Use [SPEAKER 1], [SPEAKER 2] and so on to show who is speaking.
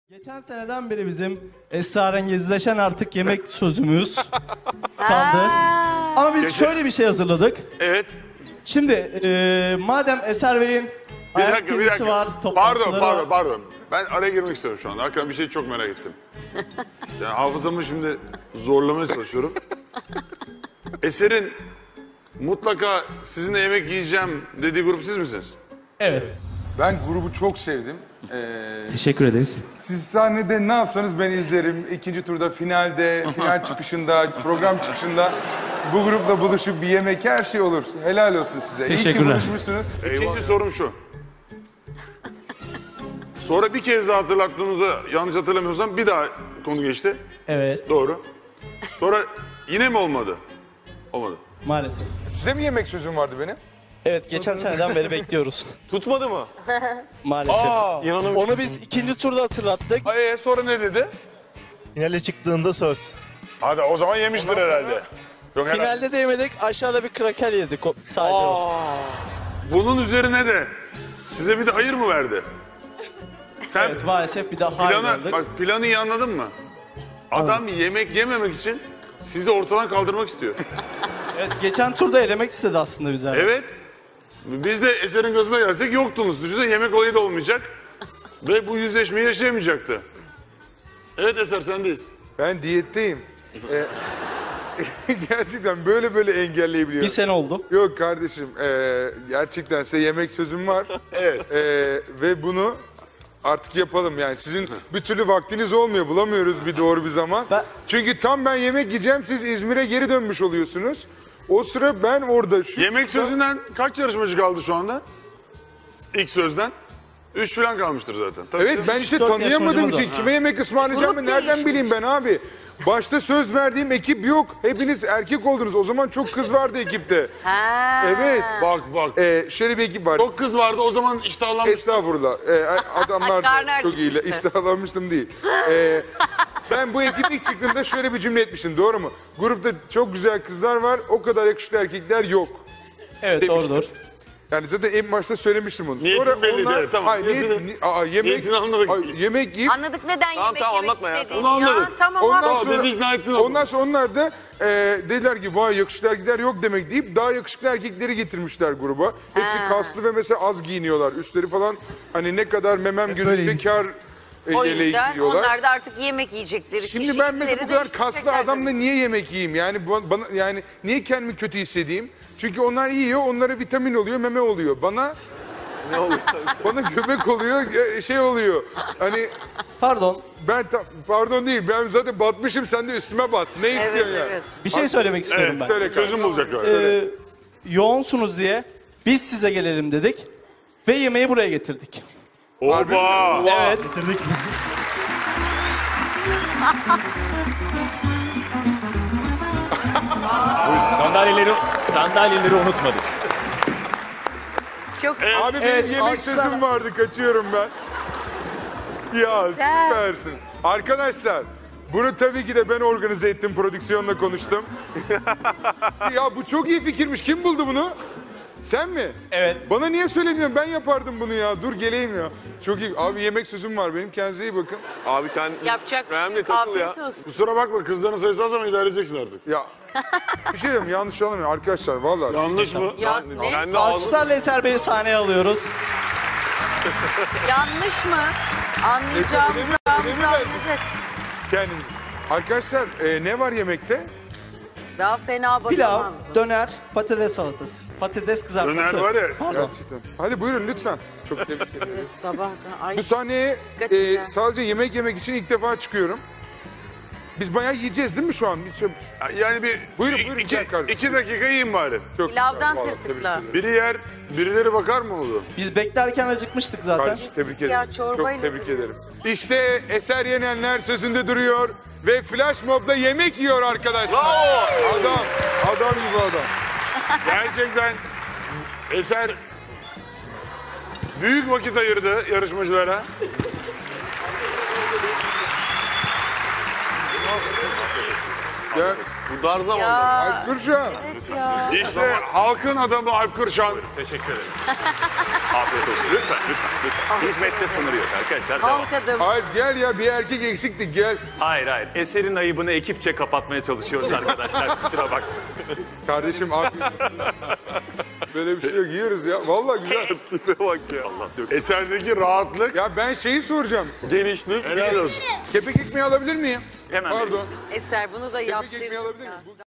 [SPEAKER 1] Geçen seneden beri bizim esrarengizleşen artık yemek sözümüz kaldı. Ama biz şöyle bir şey hazırladık.
[SPEAKER 2] Evet.
[SPEAKER 1] Şimdi madem Eser Bey'in ayak kedisi var, toplantıları var.
[SPEAKER 2] Pardon. Ben araya girmek istiyorum şu anda. Hakikaten bir şeyi çok merak ettim. Yani hafızamı şimdi zorlamaya çalışıyorum. Eser'in mutlaka sizinle yemek yiyeceğim dediği grup siz misiniz?
[SPEAKER 1] Evet.
[SPEAKER 3] Ben grubu çok sevdim.
[SPEAKER 1] Teşekkür ederiz.
[SPEAKER 3] Siz sahnede ne yapsanız ben izlerim. İkinci turda, finalde, final çıkışında, program çıkışında bu grupla buluşup bir yemek her şey olur. Helal olsun size. İyi ki
[SPEAKER 1] Teşekkürler.
[SPEAKER 3] buluşmuşsunuz.
[SPEAKER 2] İkinci sorum şu. Sonra bir kez daha hatırlattığınızda yanlış hatırlamıyorsam bir daha konu geçti.
[SPEAKER 1] Evet,
[SPEAKER 2] Doğru. Sonra yine mi olmadı? Olmadı.
[SPEAKER 1] maalesef.
[SPEAKER 3] Size mi yemek sözüm vardı benim?
[SPEAKER 1] Evet, geçen seneden beri bekliyoruz.
[SPEAKER 4] Tutmadı mı?
[SPEAKER 1] Maalesef.
[SPEAKER 4] İnanamıyorum.
[SPEAKER 1] Onu biz ikinci turda hatırlattık.
[SPEAKER 2] Sonra ne dedi?
[SPEAKER 5] Finale çıktığında söz.
[SPEAKER 2] Hadi o zaman yemiştir herhalde. Yok herhalde.
[SPEAKER 1] Finalde de yemedik, aşağıda bir kraker yedik sadece.
[SPEAKER 2] Bunun üzerine de size bir de hayır mı verdi? Sen
[SPEAKER 1] Evet, maalesef bir daha hayır aldık.
[SPEAKER 2] planı iyi anladın mı? Adam yemek yememek için sizi ortadan kaldırmak istiyor.
[SPEAKER 1] Evet, geçen turda elemek istedi aslında bizler.
[SPEAKER 2] Evet. Biz de Eser'in gazına gelsek yoktunuz. Düşünsene yemek olayı da olmayacak. Ve bu yüzleşmeyi yaşayamayacaktı. Evet Eser sendeyiz.
[SPEAKER 3] Ben diyetteyim. Gerçekten böyle engelleyebiliyorum.
[SPEAKER 1] Bir sene oldu.
[SPEAKER 3] Yok kardeşim, gerçekten size yemek sözüm var.
[SPEAKER 2] Evet.
[SPEAKER 3] Ve bunu artık yapalım yani. Sizin bir türlü vaktiniz olmuyor, bulamıyoruz bir doğru bir zaman. Çünkü tam ben yemek yiyeceğim, siz İzmir'e geri dönmüş oluyorsunuz. O sıra ben orada...
[SPEAKER 2] Yemek sözünden kaç yarışmacı kaldı şu anda? İlk sözden. 3 falan kalmıştır zaten. Tabii
[SPEAKER 3] Evet
[SPEAKER 2] canım.
[SPEAKER 3] ben işte
[SPEAKER 1] 4
[SPEAKER 3] tanıyamadığım
[SPEAKER 1] yarışmacımız
[SPEAKER 3] için
[SPEAKER 1] var.
[SPEAKER 3] kime yemek ısmarlayacağımı
[SPEAKER 6] Grup
[SPEAKER 3] nereden
[SPEAKER 6] değişmiş.
[SPEAKER 3] bileyim ben abi? Başta söz verdiğim ekip yok. Hepiniz erkek oldunuz. O zaman çok kız vardı ekipte. Evet.
[SPEAKER 2] Bak.
[SPEAKER 3] Şöyle bir ekip var.
[SPEAKER 2] Çok kız vardı o zaman iştahlanmış.
[SPEAKER 3] Estağfurullah. Adamlar da
[SPEAKER 6] Karnı
[SPEAKER 3] çok iyiler.
[SPEAKER 6] acıkmıştı.
[SPEAKER 3] İştahlanmıştım değil. Ben bu ekip ilk çıktığında şöyle bir cümle etmiştim. Doğru mu? Grupta çok güzel kızlar var. O kadar yakışıklı erkekler yok.
[SPEAKER 1] Evet,
[SPEAKER 3] Demiştim.
[SPEAKER 1] doğrudur.
[SPEAKER 3] Yani zaten en başta söylemiştim onu.
[SPEAKER 2] Niyetin belliydi, evet, tamam.
[SPEAKER 3] Hayır,
[SPEAKER 2] Niyetini anladık.
[SPEAKER 3] yemek yiyip
[SPEAKER 6] Anladık neden yemek
[SPEAKER 4] anlatma ya.
[SPEAKER 6] istediğini.
[SPEAKER 2] Onu anladık.
[SPEAKER 6] Tamam
[SPEAKER 3] Ondan
[SPEAKER 6] anladık.
[SPEAKER 3] sonra-
[SPEAKER 2] Bizi ikna ettin oğlum.
[SPEAKER 3] ondan sonra onlar da dediler ki vay yakışıklı erkekler yok demek deyip daha yakışıklı erkekleri getirmişler gruba. Hepsi kaslı ve mesela az giyiniyorlar. Üstleri falan hani ne kadar memem gözükse kar
[SPEAKER 6] O
[SPEAKER 3] yeleği
[SPEAKER 6] yüzden
[SPEAKER 3] giyiyorlar.
[SPEAKER 6] onlar da artık yemek yiyecekleri
[SPEAKER 3] Şimdi ben mesela bu
[SPEAKER 6] kişilikleri
[SPEAKER 3] kadar kaslı
[SPEAKER 6] değiştirecekler
[SPEAKER 3] adamla
[SPEAKER 6] tabii.
[SPEAKER 3] niye yemek yiyeyim? Yani bana yani niye kendimi kötü hissedeyim? Çünkü onlar yiyor, onlara vitamin oluyor, meme oluyor. Bana
[SPEAKER 4] Ne oluyor?
[SPEAKER 3] bana göbek oluyor, şey oluyor. Hani
[SPEAKER 1] Pardon,
[SPEAKER 3] pardon değil, ben zaten batmışım, sen de üstüme bas. Ne istiyorsun
[SPEAKER 6] Evet,
[SPEAKER 3] yani?
[SPEAKER 6] evet.
[SPEAKER 1] bir şey söylemek istiyorum ben.
[SPEAKER 3] Söyle
[SPEAKER 2] Çözüm bulacak galiba.
[SPEAKER 1] Yoğunsunuz diye biz size gelelim dedik ve yemeği buraya getirdik.
[SPEAKER 2] Oba!
[SPEAKER 1] Evet.
[SPEAKER 5] Sandalyeleri unutmadık.
[SPEAKER 6] Çok
[SPEAKER 3] Abi benim
[SPEAKER 1] Evet,
[SPEAKER 3] yemek
[SPEAKER 1] alkışlar.
[SPEAKER 3] sözüm vardı, kaçıyorum ben. Ya
[SPEAKER 6] Güzel.
[SPEAKER 3] süpersin. Arkadaşlar, bunu tabii ki de ben organize ettim, prodüksiyonla konuştum. Ya bu çok iyi fikirmiş, kim buldu bunu? Sen mi?
[SPEAKER 1] Evet.
[SPEAKER 3] Bana niye söylemiyorsun? Ben yapardım bunu ya. Dur geleyim ya. Çok iyi. Abi yemek sözüm var benim. Kendinize iyi bakın.
[SPEAKER 4] Abi
[SPEAKER 6] yapacak.
[SPEAKER 4] Önemli takıl ya.
[SPEAKER 6] Afiyet olsun.
[SPEAKER 2] Kusura bakma kızların sayısı az ama idare edeceksin artık.
[SPEAKER 3] Ya bir şey diyeyim, yanlış anlamayın arkadaşlar. Vallahi.
[SPEAKER 2] Yanlış mı?
[SPEAKER 6] Ya, ne?
[SPEAKER 4] Kendi ağzını...
[SPEAKER 1] Alkışlarla Eser Bey'i sahneye alıyoruz.
[SPEAKER 6] Yanlış mı? Anlayacağımızı anladık.
[SPEAKER 3] Kendiniz. Arkadaşlar ne var yemekte?
[SPEAKER 6] Daha fena
[SPEAKER 1] Pilav,
[SPEAKER 6] bakamazdım.
[SPEAKER 1] döner, patates salatası. Patates kızartması.
[SPEAKER 2] Döner var ya.
[SPEAKER 1] Pardon.
[SPEAKER 3] Gerçekten. Hadi buyurun lütfen. Çok tebrik ederim.
[SPEAKER 6] Evet, sabahtan. Ay,
[SPEAKER 3] Bu sahneye
[SPEAKER 6] Dikkat et ya.
[SPEAKER 3] sadece yemek yemek için ilk defa çıkıyorum. Biz bayağı yiyeceğiz değil mi şu an? Biz
[SPEAKER 2] Yani bir
[SPEAKER 3] Buyurun, buyurun,
[SPEAKER 2] iki,
[SPEAKER 3] gel kardeşim.
[SPEAKER 2] 2 dakika yiyin bari.
[SPEAKER 3] çok
[SPEAKER 6] pilavdan
[SPEAKER 3] güzel, vallahi
[SPEAKER 6] tırtıkla.
[SPEAKER 3] tebrik ederim.
[SPEAKER 2] Biri yer, birileri bakar mı oldu?
[SPEAKER 1] Biz beklerken acıkmıştık zaten.
[SPEAKER 3] Kardeşim tebrik
[SPEAKER 6] Ya,
[SPEAKER 3] ederim.
[SPEAKER 6] çorbayla
[SPEAKER 3] Çok tebrik
[SPEAKER 6] duruyoruz.
[SPEAKER 3] ederim. İşte Eser Yenenler sözünde duruyor ve Flash Mob'da yemek yiyor arkadaşlar.
[SPEAKER 2] Bravo!
[SPEAKER 3] Adam gibi adam.
[SPEAKER 2] Gerçekten Eser büyük vakit ayırdı yarışmacılara.
[SPEAKER 3] Ya,
[SPEAKER 4] Bu dar zamanda.
[SPEAKER 6] Ya,
[SPEAKER 3] dur şu an.
[SPEAKER 6] evet ya.
[SPEAKER 2] İşte halkın adamı Alp Kırşan.
[SPEAKER 5] Teşekkür ederim.
[SPEAKER 7] Afiyet olsun. Lütfen, lütfen, lütfen. Hizmette sınır yok arkadaşlar. Devam.
[SPEAKER 6] Kalkadım.
[SPEAKER 3] Hayır gel ya, bir erkek eksiktik, gel.
[SPEAKER 7] Hayır, hayır. Eserin ayıbını ekipçe kapatmaya çalışıyoruz arkadaşlar. Kusura bak.
[SPEAKER 3] Kardeşim afiyet olsun. Böyle bir şey yok, yiyoruz ya. Vallahi güzel.
[SPEAKER 4] Tipe bak ya.
[SPEAKER 7] Allah döksün.
[SPEAKER 2] Eserdeki rahatlık
[SPEAKER 3] Ya ben şeyi soracağım.
[SPEAKER 4] Genişlik.
[SPEAKER 2] helal olsun.
[SPEAKER 3] Kepek ekmeği alabilir miyim?
[SPEAKER 7] Hemen
[SPEAKER 3] Pardon.
[SPEAKER 6] Eser bunu da
[SPEAKER 3] Kepek
[SPEAKER 6] yaptır.
[SPEAKER 3] ekmeği alabilir miyim?